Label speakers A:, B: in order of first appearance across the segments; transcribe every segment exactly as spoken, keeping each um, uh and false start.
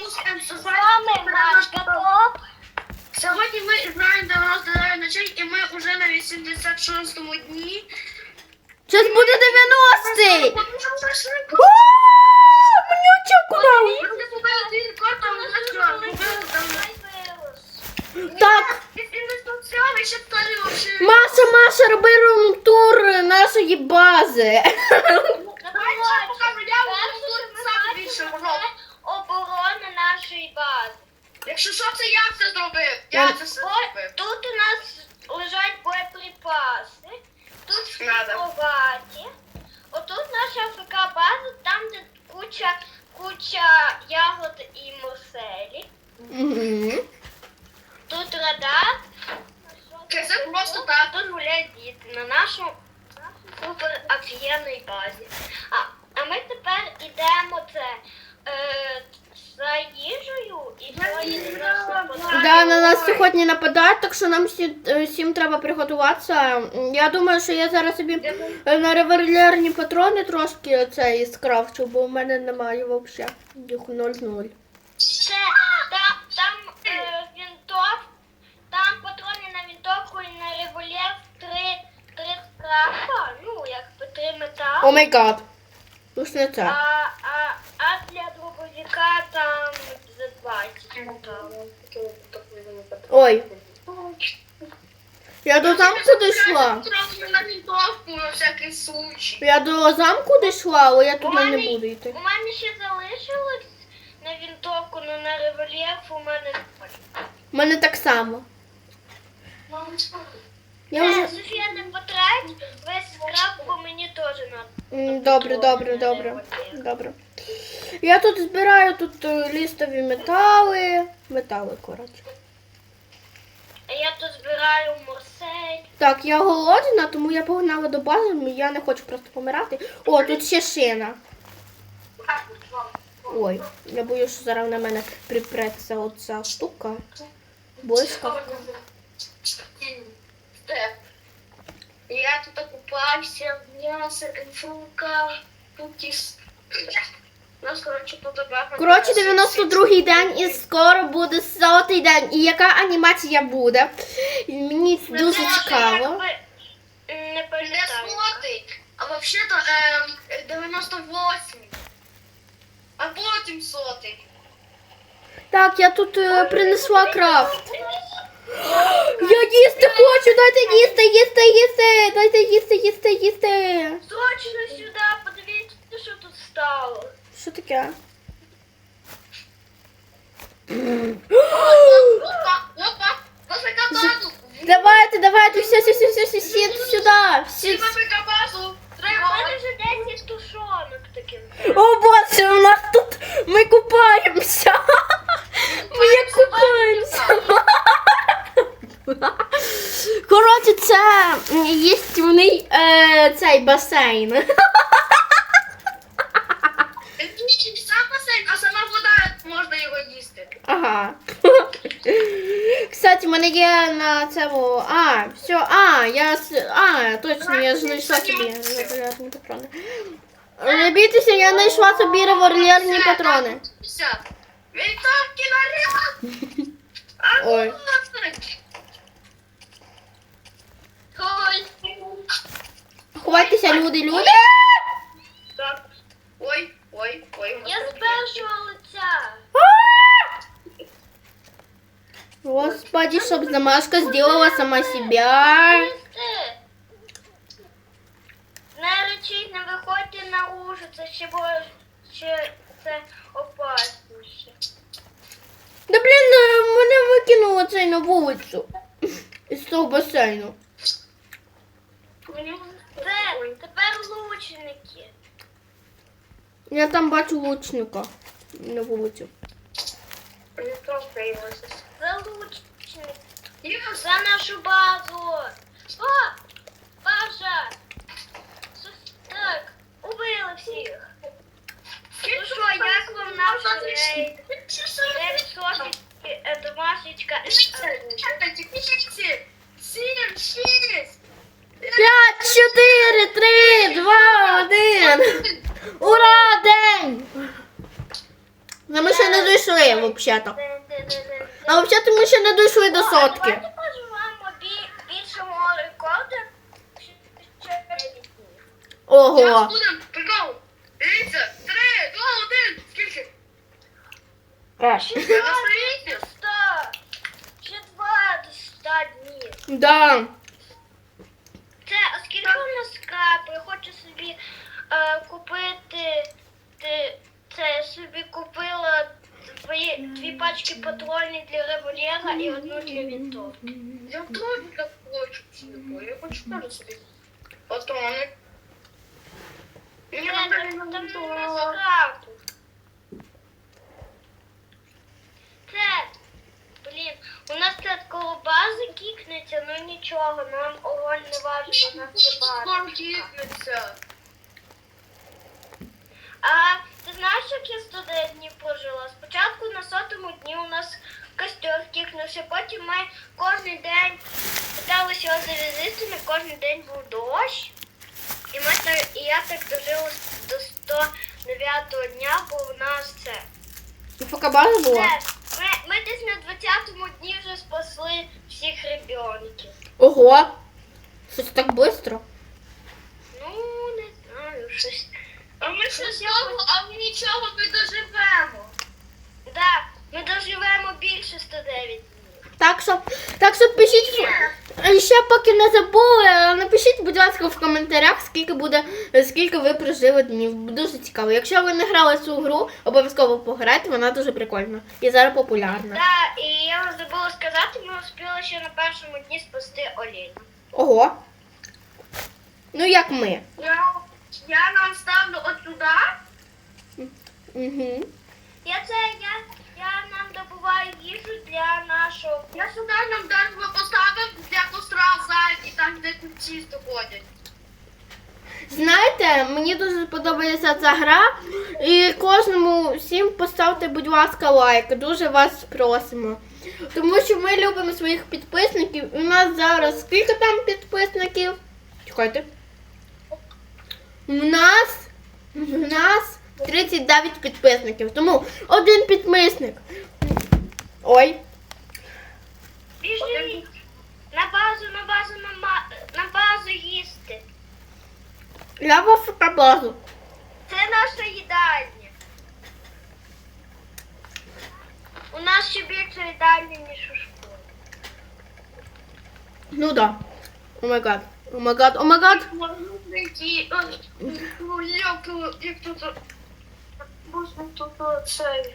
A: З вами Машка Топ.
B: Сьогодні ми граємо дев'яносто ночей і ми вже на вісімдесят шостому дні.
C: Зараз буде дев'яностий! Манюча, куди? Так. Маша, Маша, роби рум-тур нашої бази.
A: Оборона нашої бази.
B: Якщо що, це я це зробив. Я це все зробив.
A: Тут у нас лежать боєприпаси, тут всі
B: Надо.
A: кроваті. Отут наша АФК-база, там де куча, куча ягод і морселі.
C: Угу.
A: Тут радар.
B: Це просто так.
A: Тут гуляють діти на нашому супер офігенній базі. А, а ми тепер йдемо це е, за їжею і сьогодні нас нападають.
C: Да, на нас сьогодні нападають, так що нам всі, всім треба приготуватися. Я думаю, що я зараз собі на револьверні патрони трошки цей скрафчу, бо в мене немає взагалі. Їх нуль-нуль.
A: Це, там, там е, вінтов, там патрони на вінтовку і на револьвер три, три скрафа, ну, якби три метали.
C: О май гад. Уж не
A: А,
C: це.
A: а, а для дробовика там за двадцять металів.
C: Ой. Я до замку дійшла.
B: Трохи на вінтовку, на всякий случай.
C: Я до замку дійшла, але я туди не буду йти.
A: У мене ще залишилось на вінтовку, але на револьвер у мене
C: У мене так само. Я вже...
A: Е, Софія, не потрать, весь скраб, бо мені теж треба.
C: М, Добре, добре, добре. Добре. Я тут збираю тут е, лістові метали. Метали, коротше.
A: А я тут збираю морсель.
C: Так, я голодна, тому я погнала до бази, я не хочу просто помирати. О, тут ще шина. Ой, я боюсь, що зараз на мене припреться оця штука. Блискавка.
B: Я тут окупався, в м'ясо, фрука, путіс. Нас, коротше, фотографія.
C: Коротше, дев'яносто другий день і скоро буде сотий день. І яка анімація буде? Мені дуже цікаво.
A: Якби, Не
B: Не
A: пам'ятаю.
B: сотий, а взагалі-то ем, дев'яносто восьмий. А потім сотий.
C: Так, я тут е, принесла крафт. Я їсти хочу, дайте їсти, їсти, їсти, дайте їсти, їсти, їсти.
A: Точно сюди, подивіться, що тут стало.
C: Що таке?
B: Опа, опа, нафіга базу.
C: Давайте, давайте, все, все, все, все, все, всі сюди. Всі.
B: Всі нафіга базу.
A: У
B: Треба.
A: мене вже десять тушонок таким.
C: О, боже, у нас тут, ми купаємося. Ми як купаємося. Коротше, це єстівний е, цей басейн.
B: Ні, сам басейн, а сама вода, можна його їсти.
C: Ага. Кстати, в мене є на цьому. А, все, а, я с- а, точно, я ж знайшла собі револьверні патрони. Не бійтеся, я знайшла собі револьверні патрони.
B: Все. Вінтовки наряд!
C: Ой.
B: Ой.
C: Ховайтеся, люди, люди.
B: Так. Ой, ой, ой.
A: Я з першого лиця.
C: Господи, чтоб замашка сделала сама себя.
A: Їсти. Не речіть, не виходьте на ужин, це ще буде, ще це опасніше.
C: Да блин, е, мене викинуло цей на вулицю. Із того басейну.
A: Це тепер лучники.
C: Я там бачу лучника на вулицю.
A: Це лучники. За нашу базу. О, база. Сус- Так, убили всіх. Ну що, як вам наш рейд? дев'ять сотень, е, домашечка.
B: Чекайте, пишіть. Сім, шість.
C: П'ять, чотири, три, два, один. Ура, день! Ну, ми ще не дійшли, взагалі-то. А взагалі ми ще не дійшли до сотки.
A: Давайте поживемо бі- більшого рекорду.
C: Ого.
B: Зараз будемо, прикол. Дивіться, три, два, один, скільки?
C: Аж.
B: Ви настоїте?
A: Сто. Ще два до ста днів.
C: Да.
A: Це, а скільки у нас крапи? Я хочу собі е, купити. Ти, це я собі купила дві, дві пачки патронів для револьвера і одну для вінтовки.
B: Я теж так хочу цілку. Я хочу теж собі патрони. Мені
A: Це,
B: там
A: там, там
B: не
A: нема скрапу. Це, блін, у нас тут коло бази кікнеться, ну нічого, нам огонь не важливо, у нас є база.
B: Скоро кіпнеться.
A: А ти знаєш, як я сто дев'ять днів прожила? Спочатку на сотому дні у нас костер кікнувся, потім ми кожен день питалися його завізити, кожен день був дощ. І, ми, так- і я так дожила до сто дев'ятого дня, бо у нас це.
C: І поки база була?
A: Це, ми, ми десь на двадцятому дні вже спасли всіх ребенків.
C: Ого. Щось так швидко.
A: Ну, не знаю, щось.
B: А ми ще знову, а ми нічого не доживемо.
A: Так, ми доживемо більше сто дев'ять днів.
C: Так що, так що пишіть, і ще поки не забули, напишіть, будь ласка, в коментарях, скільки буде, скільки ви прожили днів. Дуже цікаво. Якщо ви не грали цю гру, обов'язково пограйте, вона дуже прикольна. І зараз популярна.
A: Так, і я вам забула сказати, ми успіли ще на першому дні спасти оленя.
C: Ого. Ну як ми.
B: Я, я нам ставлю от сюди.
C: Угу.
A: Я це, я, я нам добуваю їжу для нашого.
B: Я сюди нам даже поставив для костра зайки, там де культисти ходять.
C: Знаєте, мені дуже подобається ця гра. І кожному всім поставте, будь ласка, лайк. Дуже вас просимо. Тому що ми любимо своїх підписників. У нас зараз скільки там підписників? Чекайте. У нас, у нас тридцять дев'ять підписників. Тому один підписник. Ой.
A: Біжи на базу, на базу, на, ма... на базу їсти.
C: Я в автобазу.
A: Це наша їдальня. У нас ще більше їдальні, ніж у школі.
C: Ну да. О май гад. О май гад. О май гад.
B: Які, ну як, як тут, можна тут цей.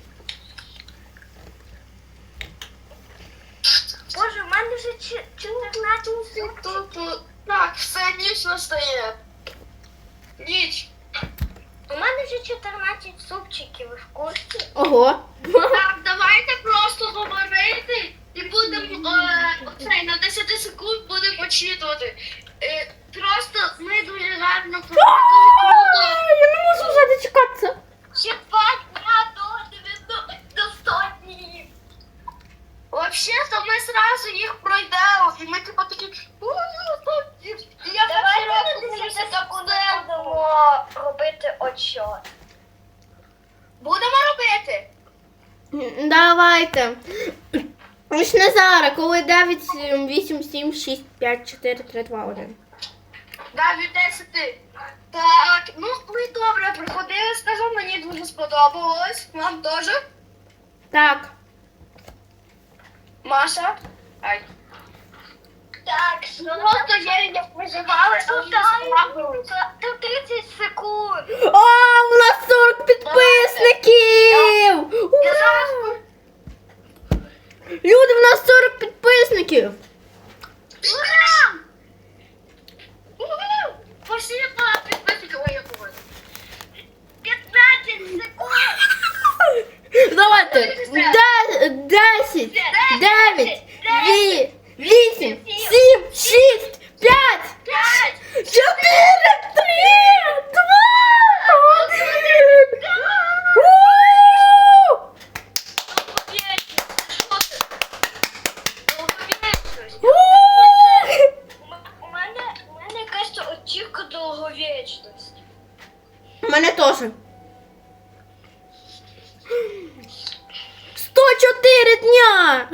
A: Боже, у мене вже чи- чотирнадцять секунд.
B: Тут, так, все, ніч настає. Ніч.
A: У мене вже чотирнадцять супчиків, ви в курсі?
C: Ого.
B: Так, давайте просто говорити і будемо е, оцей, на десять секунд будемо почитувати. Е, просто ми дуже гарно дуже круто.
C: Я не можу вже дочекатися.
A: Ще два дня до дев'яноста до ста днів.
B: Взагалі-то ми зразу їх пройдемо, і ми типу такі, «Ой, сто днів». І я
A: Давай
B: перший раз
A: робити
B: думаю,
A: це
B: що
A: так
B: це
A: будемо робити отчет.
B: Будемо робити?
C: Давайте. Ось не зараз, коли дев'ять, вісім, сім, шість, п'ять, чотири, три, два, один.
B: Да, від десяти. Так, ну ви добре приходили, скажу, мені дуже сподобалось. Вам теж?
C: Так.
B: Маша? Ай.
A: Так,
B: Просто є, як виживали, а
A: Ну,
B: ми
A: так.
B: справились.
A: до тридцять секунд.
C: О, у нас сорок підписників!
B: Я зараз
C: Ура! Люди, в нас сорок підписників!
B: Ура! Уху! Спасибо, підписники. Ой, я говорю.
A: п'ятнадцять секунд.
C: Давайте. Де- Десять, дев'ять, ві- вісім, сім, шість, п'ять,
A: П'ять.
C: чотири, три, два, один. У! У!
A: У мене, у мене якась очівка довговічності.
C: У мене теж. дня.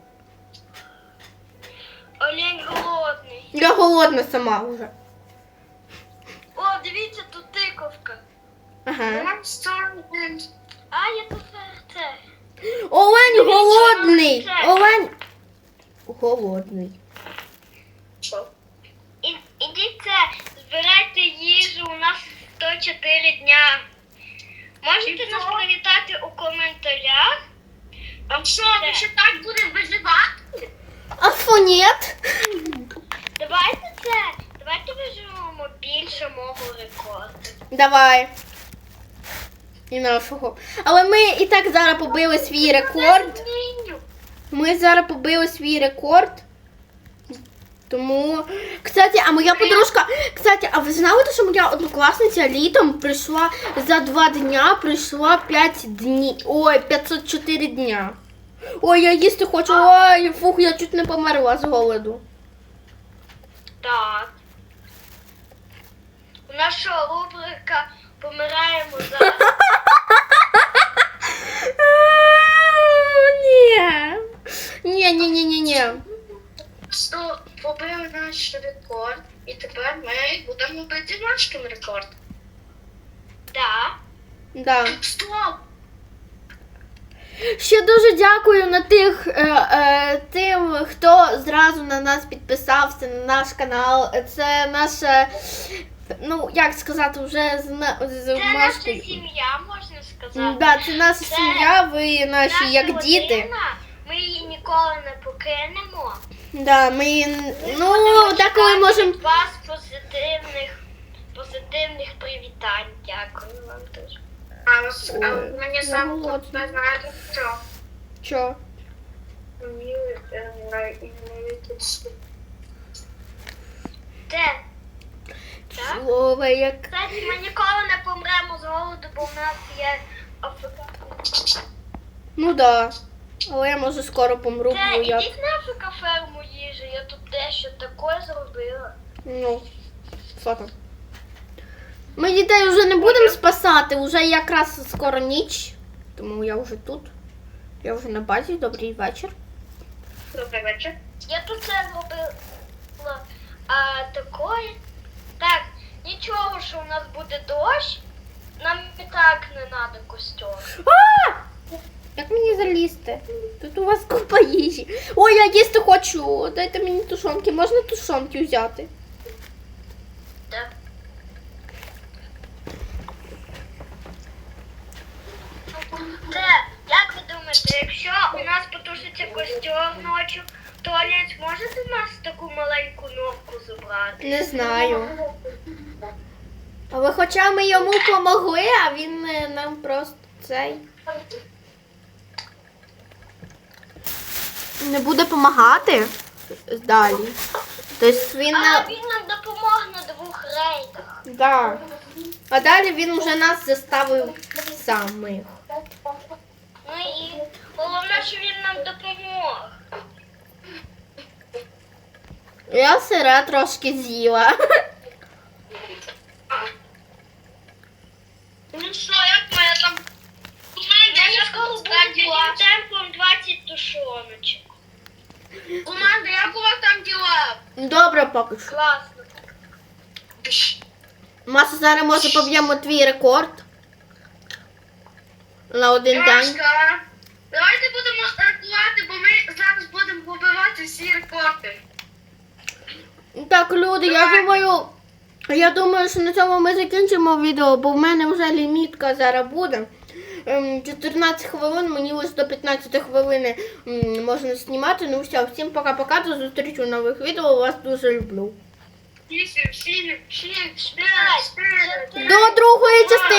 A: Олень голодний.
C: Я голодна сама вже.
A: О, дивіться, тут тиковка.
C: Ага.
B: I'm starving.
A: А, я тут це.
C: Олень голодний.
A: Це.
C: Олень голодний.
B: Що?
A: І, ідіть це, збирайте їжу, у нас сто чотири дня. Можете нас привітати у коментарях?
B: А що, ми ще так будемо виживати?
C: А що, нет?
A: Давайте це, давайте виживемо більше мого рекорду.
C: Давай. І нашого. Але ми і так зараз побили свій рекорд.
A: Зміню.
C: Ми зараз побили свій рекорд. Тому, кстати, а моя подружка, кстати, а ви знали, що моя однокласниця літом прийшла за два дня, прийшла п'ять днів, ой, п'ятсот чотири дня. Ой, я їсти хочу, ой, фух, я чуть не померла з голоду.
A: Так. У нас що, рубрика «Помираємо зараз».
C: Ні. Ні, ні, ні, ні, ні.
B: Що побив наш рекорд, і тепер ми будемо бити наш рекорд.
A: Так.
C: Да.
B: Стоп!
C: Ще дуже дякую на тих, е, е, тим, хто зразу на нас підписався, на наш канал. Це наша, ну, як сказати, вже з, на- з
A: Це наша
C: Машкою.
A: сім'я, можна сказати.
C: Да, це наша
A: Це
C: сім'я, ви наші
A: Наша
C: як діти.
A: родина, ми її ніколи не покинемо.
C: Да, ми, ну,
A: Будемо
C: деколи
A: чекати
C: можемо.
A: від вас позитивних, позитивних привітань. Дякую вам дуже.
B: А, ось, а
C: Ой,
B: мені
C: я
B: сам
C: голодна.
B: тут не знаєте що.
C: Що?
B: Мені е, на ім'я
A: Де? Так?
C: Слово, як.
A: Кстати, ми ніколи не помремо з голоду, бо в нас є АФК.
C: Ну да. Але я може скоро помру,
A: Це,
C: бо я.
A: ідіть на АФК ферму їжі, я тут дещо таке зробила.
C: Ну, що там? Ми дітей вже не будемо спасати, вже якраз скоро ніч. Тому я вже тут. Я вже на базі. Добрий вечір.
B: Добрий вечір.
A: Я тут це зробила. А такое. Так, нічого, що у нас буде дощ. Нам і так не треба костюм.
C: А! Як мені залізти? Тут у вас купа їжі. Ой, я їсти хочу. Дайте мені тушонки. Можна тушонки взяти?
A: Так. Це, як ви думаєте, якщо у нас потушиться костюм ночі, то Олець може до нас таку маленьку норку забрати?
C: Не знаю. Але хоча ми йому помогли, а він е, нам просто цей. Не буде допомагати далі. Тобто він
A: А
C: на.
A: він нам допомог на двох рейдах.
C: Да. А далі він вже нас заставив самих.
A: Ну і головне, що він нам допомог.
C: Я сира трошки з'їла.
B: Ну що, як моя там команда?
A: Я
B: Я
A: скоро буду
B: там діла.
A: темпом двадцять тушоночок.
B: Команда, як у вас там діла?
C: Добре, поки що.
A: Класно.
C: Маса, зараз може поб'ємо твій рекорд. На один день.
B: Машка, давайте будемо рахувати, бо ми зараз будемо побивати всі рекорди.
C: Так, люди, я думаю, я думаю, що на цьому ми закінчимо відео, бо в мене вже лімітка зараз буде. Ем, чотирнадцять хвилин, мені ось до п'ятнадцяти хвилини м, можна знімати. Ну все, всім пока-пока, до зустрічі у нових відео, вас дуже люблю.
B: Вісім, сім, шість,
A: П'ять,
B: п'ять, чотири.
C: До другої частини.